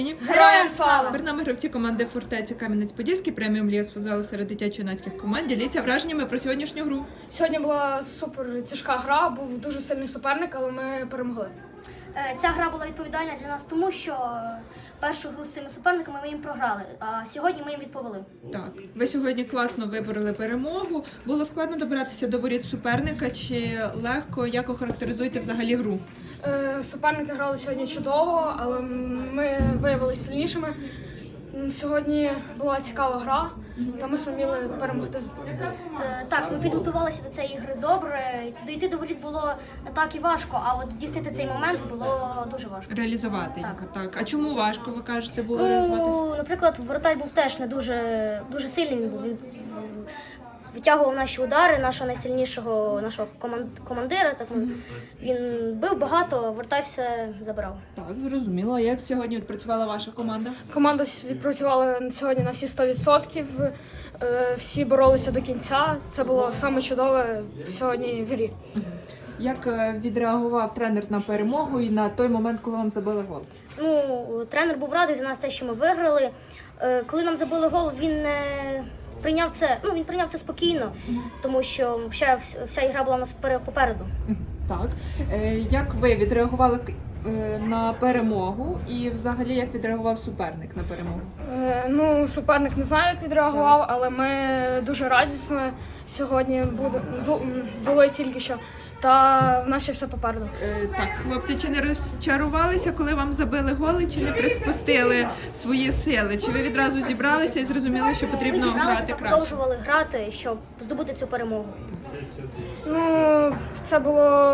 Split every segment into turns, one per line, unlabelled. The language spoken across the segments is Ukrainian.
Героям слава!
Перед нами гравці команди «Фортеця» Кам'янець-Подільський, преміум ліга з футзалу серед дитячо-юнацьких команд. Діліться враженнями про сьогоднішню гру.
Сьогодні була супер тяжка гра, був дуже сильний суперник, але ми перемогли.
Ця гра була відповідальна для нас, тому що першу гру з цими суперниками ми їм програли, а сьогодні ми їм відповіли.
Так, ви сьогодні класно вибороли перемогу. Було складно добиратися до воріт суперника чи легко? Як охарактеризуєте взагалі гру?
Суперники грали сьогодні чудово, але ми виявилися сильнішими. Сьогодні була цікава гра, та ми зуміли перемогти.
Так, ми підготувалися до цієї гри добре. Дійти до воріт було не так і важко, а от здійснити цей момент було дуже важко.
Реалізувати його, так. А чому важко, ви кажете, було
Ну,
реалізувати?
наприклад, воротар був теж не дуже сильний. Він був. Він витягував наші удари, нашого найсильнішого командира. Так, він бив багато, воротар все забирав.
Так, зрозуміло. А як сьогодні відпрацювала ваша команда?
Команда відпрацювала сьогодні на всі 100%, всі боролися до кінця. Це було саме чудове сьогодні в грі.
Як відреагував тренер на перемогу і на той момент, коли вам забили гол?
Ну, тренер був радий за нас те, що ми виграли. Коли нам забили гол, він не прийняв це. Ну, він прийняв це спокійно, тому що вся ігра була у нас попереду.
Так. Як ви відреагували на перемогу і взагалі як відреагував суперник на перемогу?
Ну, суперник не знаю, як відреагував, але ми дуже радісно сьогодні були тільки що. Та в нас ще все попереду.
Так, хлопці, чи не розчарувалися, коли вам забили голи, чи не приспустили свої сили? Чи ви відразу зібралися і зрозуміли, що
Ми
потрібно
зібралися
грати
та
краще?
продовжували грати, щоб здобути цю перемогу.
Ну, це було...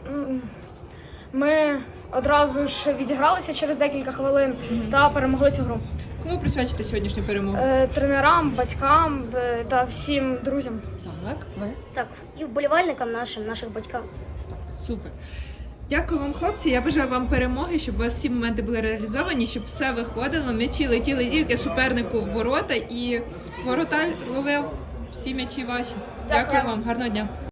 Ми одразу ж відігралися через декілька хвилин та перемогли цю гру.
Кому присвячите сьогоднішню перемогу?
Тренерам, батькам та всім друзям.
Так, ви?
Так, і вболівальникам наших батькам.
Супер. Дякую вам, хлопці. Я бажаю вам перемоги, щоб у вас всі моменти були реалізовані, щоб все виходило. М'ячі летіли тільки супернику в ворота і воротар ловив всі м'ячі ваші. Дякую вам, гарного дня.